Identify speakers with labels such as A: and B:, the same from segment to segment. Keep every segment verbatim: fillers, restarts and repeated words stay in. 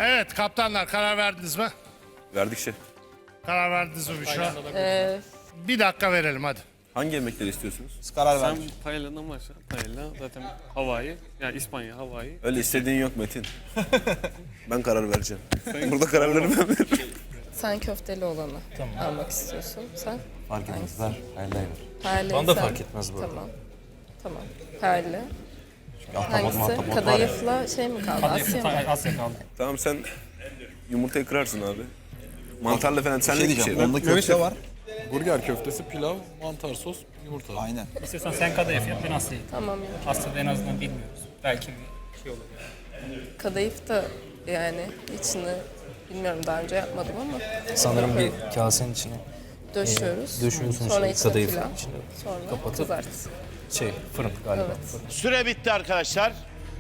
A: Evet kaptanlar karar verdiniz mi?
B: Verdik şef.
A: Karar verdiniz mi Büşra?
C: Ee,
A: Bir dakika verelim hadi.
B: Hangi yemekleri istiyorsunuz?
D: Biz karar
E: Sen
D: verdik.
E: paella'dan başla. Paella zaten Hawaii. Yani İspanya, Hawaii.
B: Öyle istediğin yok Metin. Ben karar vereceğim. Burada kararları ben veririm.
C: sen köfteli olanı almak istiyorsun. Sen?
D: Fark etmez. Ver. Hayırlı ver.
C: Perli.
D: Bana da
C: sen-
D: fark etmez bu arada.
C: Tamam. Tamam. Perli.
D: Ahtapot
C: Hangisi?
D: mahtapot var ya.
C: Kadayıfla şey mi kaldı? Asya mı?
F: Asya kaldı.
B: Tamam sen yumurtayı kırarsın abi. Mantarla falan
D: Bir
B: senlik
D: şey
B: bir şey.
D: diyeceğim. Onda köfte var.
G: Burger köftesi, pilav, mantar sos, yumurta.
D: Aynen.
F: İstiyorsan sen kadayıf yap, ben Asya'yı.
C: Tamam ya.
F: Asya'da en azından bilmiyoruz. Belki bir şey olur yani.
C: Kadayıf da yani içini bilmiyorum daha önce yapmadım ama
D: Sanırım bir kasenin içine
C: döşüyoruz.
D: döşüyorsun
C: Sonra
D: işte
C: içine
D: kadayıf
C: pilav.
D: içine
C: Sonra
D: kapatıp
C: kızart.
D: şey fırın galiba.
C: Evet.
H: Süre bitti arkadaşlar.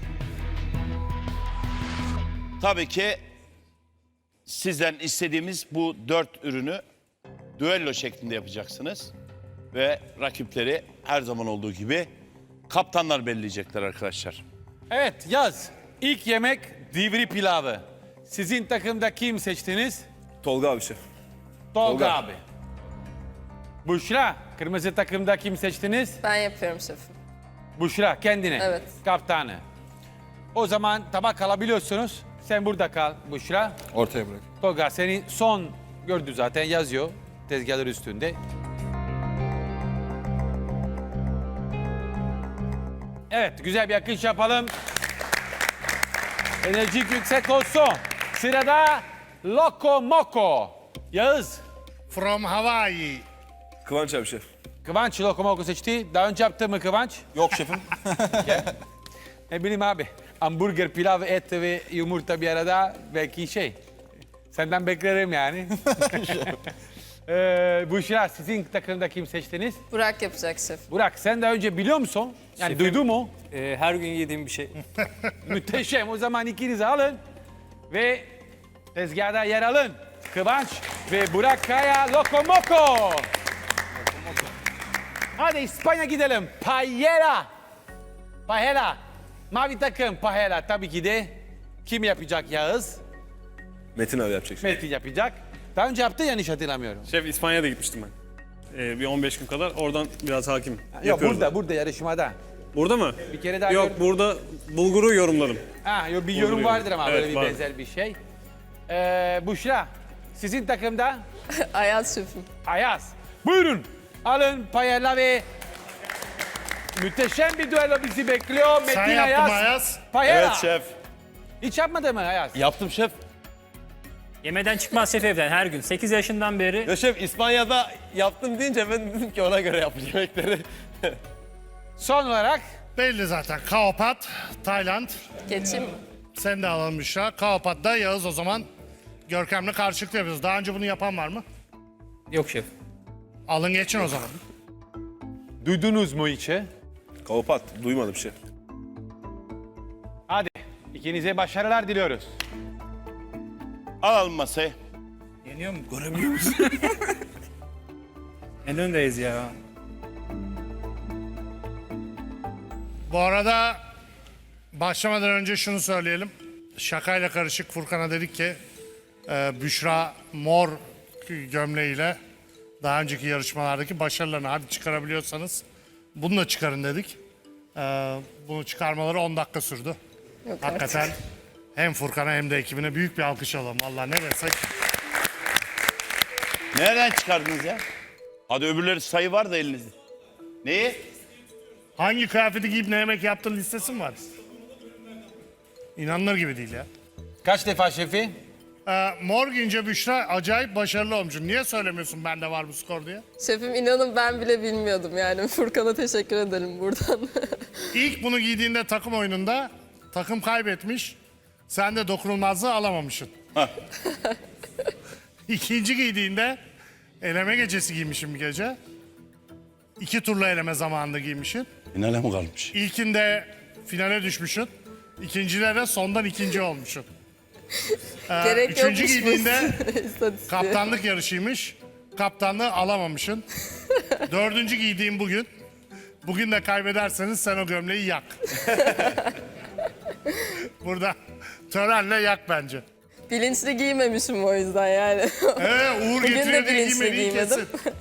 H: Tabii ki sizden istediğimiz bu dört ürünü düello şeklinde yapacaksınız. Ve rakipleri her zaman olduğu gibi kaptanlar belirleyecekler arkadaşlar.
I: Evet yaz. İlk yemek divri pilavı. Sizin takımda kim seçtiniz?
B: Tolga abi şef.
I: Tolga,
B: Tolga.
I: abi. Büşra, kırmızı takımda kim seçtiniz?
C: Ben yapıyorum şefim.
I: Büşra kendine.
C: Evet.
I: Kaptanı. O zaman tabak alabiliyorsunuz. Sen burada kal Büşra.
G: Ortaya bırak.
I: Tolga seni son gördü zaten yazıyor tezgahlar üstünde. Evet güzel bir akış yapalım. Enerjik yüksek olsun. Sırada Loco Moco. Yağız.
A: From Hawaii.
B: Kıvanç abi şef.
I: Kıvanç Loco Moco seçti. Daha önce yaptı mı Kıvanç?
D: Yok şefim.
I: Ne bileyim abi. Hamburger, pilav, et ve yumurta bir arada belki şey. Senden beklerim yani. ee, Büşra sizin takımda kim seçtiniz?
C: Burak yapacak şef.
I: Burak sen daha önce biliyor musun? Yani duydu mu?
F: Ee, her gün yediğim bir şey.
I: Müteşem. O zaman ikinizi alın ve tezgahda yer alın. Kıvanç ve Burak Kaya Lokomoko. Hadi İspanya gidelim. Paella. Paella. Mavi takım paella. Tabii ki de kim yapacak Yağız?
B: Metin abi yapacak şef.
I: Metin yapacak. Daha önce yaptı yanlış hatırlamıyorum.
E: Şef İspanya'da gitmiştim ben. Ee, bir on beş gün kadar. Oradan biraz hakim.
I: Yok
E: Yapıyoruz.
I: burada, burada yarışmada.
E: Burada mı?
I: Bir kere daha
E: Yok
I: gör-
E: burada bulguru yorumladım.
I: Ha, yok, bir yorum
E: Bulguru
I: vardır ama
E: evet,
I: böyle bir
E: var.
I: benzer bir şey. Ee, Büşra, sizin takımda
C: Ayaz şefim.
I: Ayaz. Buyurun. Alın paella ve muhteşem bir düello bizi bekliyor. Metin
A: Sen yaptın
I: Ayaz.
A: Ayaz.
I: Paella.
H: Evet şef.
I: Hiç yapmadı mı Ayaz?
H: Yaptım şef.
F: Yemeden çıkmaz şef evden her gün. sekiz yaşından beri.
J: Ya şef İspanya'da yaptım deyince ben dedim ki ona göre yapacağım yemekleri.
I: Son olarak
A: Belli zaten. Kaopat, Tayland.
C: Geçeyim mi?
A: Sen de alalım Büşra. Kaopat'ta Yağız o zaman. Görkem'le karşılıklı yapıyoruz. Daha önce bunu yapan var mı?
F: Yok şef.
A: Alın geçin o zaman.
I: duydunuz mu hiç?
B: Kaopat. Duymadım şef.
I: Hadi ikinize başarılar diliyoruz.
H: Alalım masayı.
F: Yeniyor mu? Göremiyor musun? En öndeyiz ya.
A: Bu arada başlamadan önce şunu söyleyelim. Şakayla karışık Furkan'a dedik ki e, Büşra mor gömleğiyle daha önceki yarışmalardaki başarılarını hadi çıkarabiliyorsanız bunu da çıkarın dedik. E, bunu çıkarmaları on dakika sürdü.
C: Yok
A: Hakikaten
C: artık.
A: hem Furkan'a hem de ekibine büyük bir alkış alalım. Vallahi ne desek.
H: Nereden çıkardınız ya? Hadi öbürleri sayı var da elinizde. Neyi?
A: Hangi kıyafeti giyip ne yemek yaptığın listesi mi var? İnanılır gibi değil ya.
I: Kaç defa şefi?
A: Ee, mor giyince Büşra acayip başarılı olmuş. Niye söylemiyorsun bende var bu skor diye?
C: Şefim inanın ben bile bilmiyordum yani. Furkan'a teşekkür ederim buradan.
A: İlk bunu giydiğinde takım oyununda takım kaybetmiş. Sen de dokunulmazlığı alamamışsın. İkinci giydiğinde eleme gecesi giymişim bir gece. İki turla eleme zamanında giymişsin.
H: Finale mi kalmış?
A: İlkinde finale düşmüşsün. İkincide de sondan ikinci olmuşsun. Ee,
C: Gerek
A: üçüncü
C: yokmuş bu
A: giydiğinde
C: istatistiğe.
A: kaptanlık yarışıymış. Kaptanlığı alamamışsın. Dördüncü giydiğim bugün. Bugün de kaybederseniz sen o gömleği yak. Burada törenle yak bence.
C: Bilinçli giymemişim o yüzden yani.
A: Evet, Uğur
C: Bugün de
A: getiriyor diye
C: bilinçli
A: giymediği
C: giymedim.
A: kesin.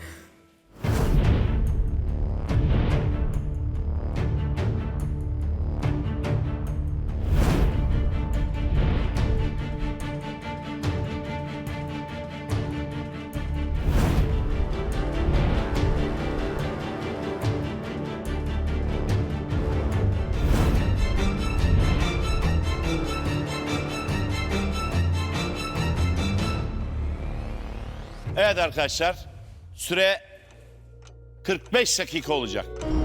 H: Evet arkadaşlar. Süre kırk beş dakika olacak.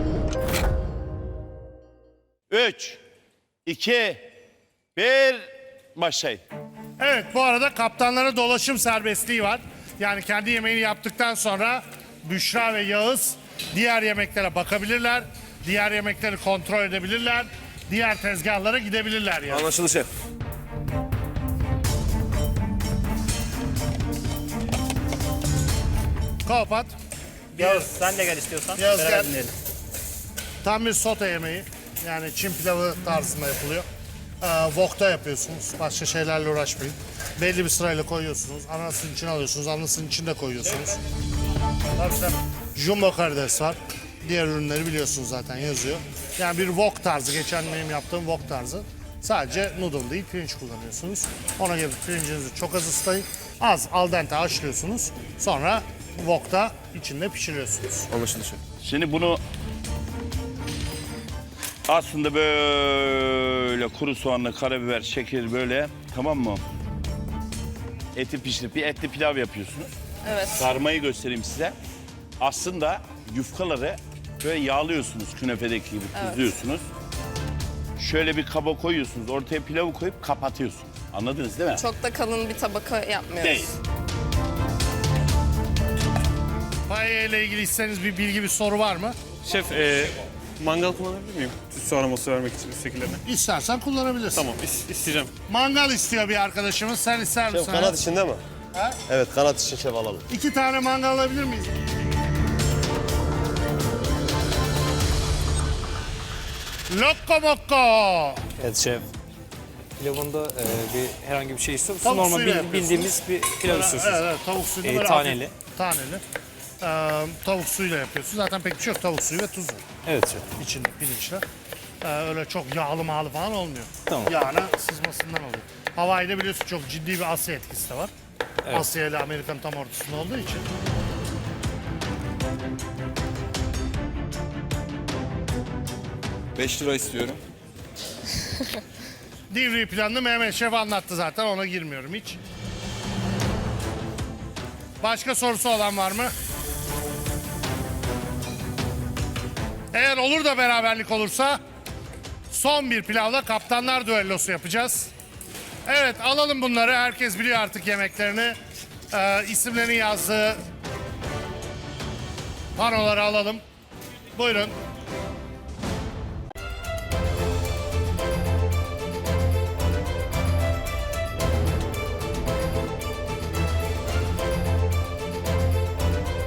H: üç, iki, bir, başlayın.
A: Evet, bu arada kaptanlara dolaşım serbestliği var. Yani kendi yemeğini yaptıktan sonra Büşra ve Yağız diğer yemeklere bakabilirler. Diğer yemekleri kontrol edebilirler. Diğer tezgahlara gidebilirler yani.
B: Anlaşıldı şef.
A: Kapat.
F: Yağız sen de gel istiyorsan.
A: Yağız
F: Beraber
A: gel.
F: dinleyelim.
A: Tam bir sote yemeği. Yani Çin pilavı tarzında yapılıyor. Ee, wok'ta yapıyorsunuz. Başka şeylerle uğraşmayın. Belli bir sırayla koyuyorsunuz. Anasının içine alıyorsunuz. Anasının içinde koyuyorsunuz. Tabii tabii. Jumbo karides var. Diğer ürünleri biliyorsunuz zaten yazıyor. Yani bir wok tarzı. Geçen benim yaptığım wok tarzı. Sadece noodle değil pirinç kullanıyorsunuz. Ona göre pirincinizi çok az ıslayın. Az al dente haşlıyorsunuz. Sonra wok'ta içinde pişiriyorsunuz.
B: Anlaşıldı şef.
H: Şimdi bunu aslında böyle kuru soğanla karabiber, şeker böyle, tamam mı? Eti pişirip bir etli pilav yapıyorsunuz.
C: Evet.
H: Sarmayı göstereyim size. Aslında yufkaları böyle yağlıyorsunuz, künefedeki gibi tuzluyorsunuz. Şöyle bir kaba koyuyorsunuz, ortaya pilavı koyup kapatıyorsunuz. Anladınız değil mi?
C: Çok da kalın bir tabaka yapmıyoruz.
H: Değil.
A: Paella ile ilgili isterseniz bir bilgi, bir soru var mı?
E: Şef e, mangal kullanabilir miyim? Su aroması vermek için şekillerine.
A: İstersen kullanabilirsin.
E: Tamam is- isteyeceğim.
A: Mangal istiyor bir arkadaşımız. Sen ister misin?
J: Şef kanat içinde mi?
A: Ha?
J: Evet kanat için şef alalım.
A: İki tane mangal alabilir miyiz? Lokko mokko.
D: Evet şef. Pilavında e, bir herhangi bir şey istiyor musun?
A: Tavuk
D: Normal
A: suyuyla
D: bil-
A: yapıyorsunuz.
D: bildiğimiz bir pilav
A: Evet,
D: istiyorsunuz.
A: evet, tavuk suyunu
D: Ee,
A: böyle
D: taneli.
A: hafif- taneli. Ee, tavuk suyuyla yapıyorsun. Zaten pek bir şey yok. Tavuk suyu ve tuzu
D: Evet şef.
A: içinde pirinçle. Ee, öyle çok yağlı mağlı falan olmuyor.
D: Tamam.
A: Yağına sızmasından oluyor. Hawaii'de biliyorsun çok ciddi bir Asya etkisi de var. Asya ile Amerika'nın tam ortasında olduğu için.
G: beş lira istiyorum.
A: Divri planını Mehmet Şef anlattı zaten, ona girmiyorum hiç. Başka sorusu olan var mı? Eğer olur da beraberlik olursa son bir pilavla kaptanlar düellosu yapacağız. Evet, alalım bunları. Herkes biliyor artık yemeklerini. Ee, isimlerini yazdığı panoları alalım. Buyurun.